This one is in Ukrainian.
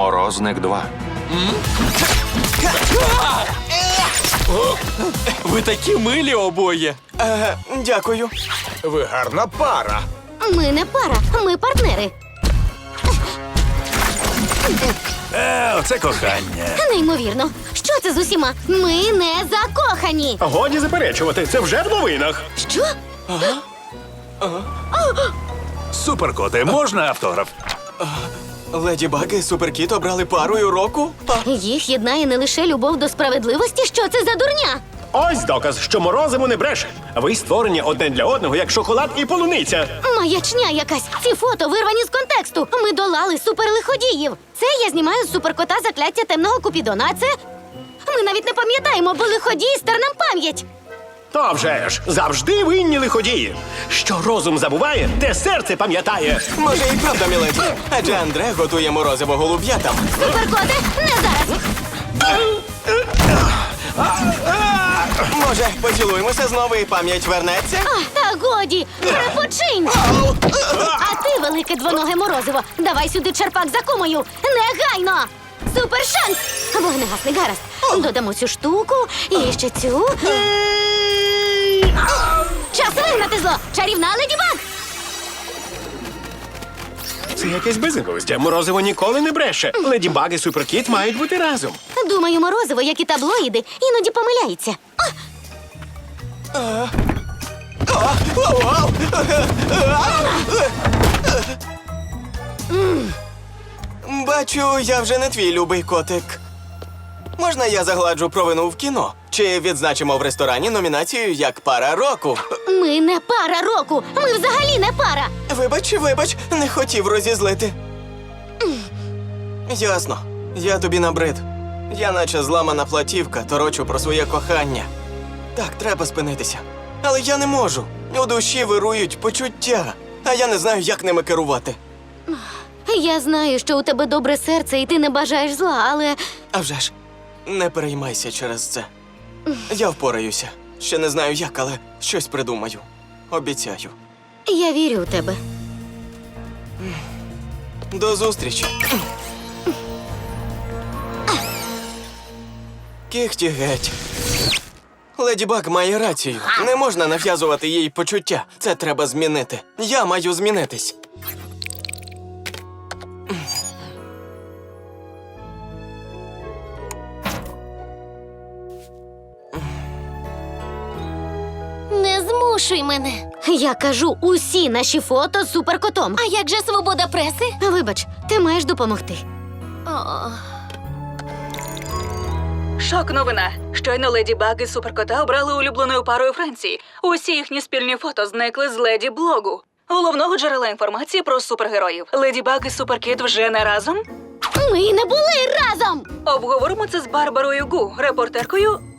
Морозник 2. Ви такі милі обоє. Дякую. Ви гарна пара. Ми не пара, ми партнери. Оце кохання. Неймовірно. Що це з усіма? Ми не закохані. Годі заперечувати, це вже в новинах. Що? Суперкоти, можна автограф? Леді Баг і Суперкіт обрали парою року? Їх єднає не лише любов до справедливості. Що це за дурня? Ось доказ, що Морозиво не бреше. Ви створені одне для одного, як шоколад і полуниця. Маячня якась. Ці фото вирвані з контексту. Ми долали суперлиходіїв. Це я знімаю з суперкота закляття темного Купідона, а це... Ми навіть не пам'ятаємо, бо лиходій стер нам пам'ять. То вже ж, завжди винні лиходії. Що розум забуває, те серце пам'ятає. Може, і правда, міледі. Адже Андре готує морозиво голуб'ятам. Суперкоте, не зараз. Може, поцілуємося знову і пам'ять вернеться? Та годі, перепочинь. А ти, велике двоноге морозиво, давай сюди черпак за кумою. Негайно! Супершанс! Вогнегасний, гаразд. Додамо цю штуку і ще цю. Час вигнати зло! Чарівна Леді Баг! Це якесь безглуздя. Морозиво ніколи не бреше. Леді Баг і Суперкіт мають бути разом. Думаю, морозиво, як і таблоїди, іноді помиляється. Бачу, я вже не твій любий котик. Можна я загладжу провину в кіно? Чи відзначимо в ресторані номінацію як пара року? Ми не пара року! Ми взагалі не пара! Вибач, не хотів розізлити. Ясно. Я тобі набрид. Я наче зламана платівка, торочу про своє кохання. Так, треба спинитися. Але я не можу. У душі вирують почуття, а я не знаю, як ними керувати. Я знаю, що у тебе добре серце і ти не бажаєш зла, але... А вже ж, не переймайся через це. Я впораюся. Ще не знаю як, але щось придумаю. Обіцяю. Я вірю у тебе. До зустрічі. Кіхті геть. Леді Баг має рацію. Не можна нав'язувати їй почуття. Це треба змінити. Я маю змінитись. Не змушуй мене. Я кажу, усі наші фото з суперкотом. А як же свобода преси? Вибач, ти маєш допомогти. Шок-новина. Щойно Леді Баг і Суперкота обрали улюбленою парою Франції. Усі їхні спільні фото зникли з Леді Блогу, головного джерела інформації про супергероїв. Леді Баг і Суперкіт вже не разом? Ми не були разом! Обговоримо це з Барбарою Гу, репортеркою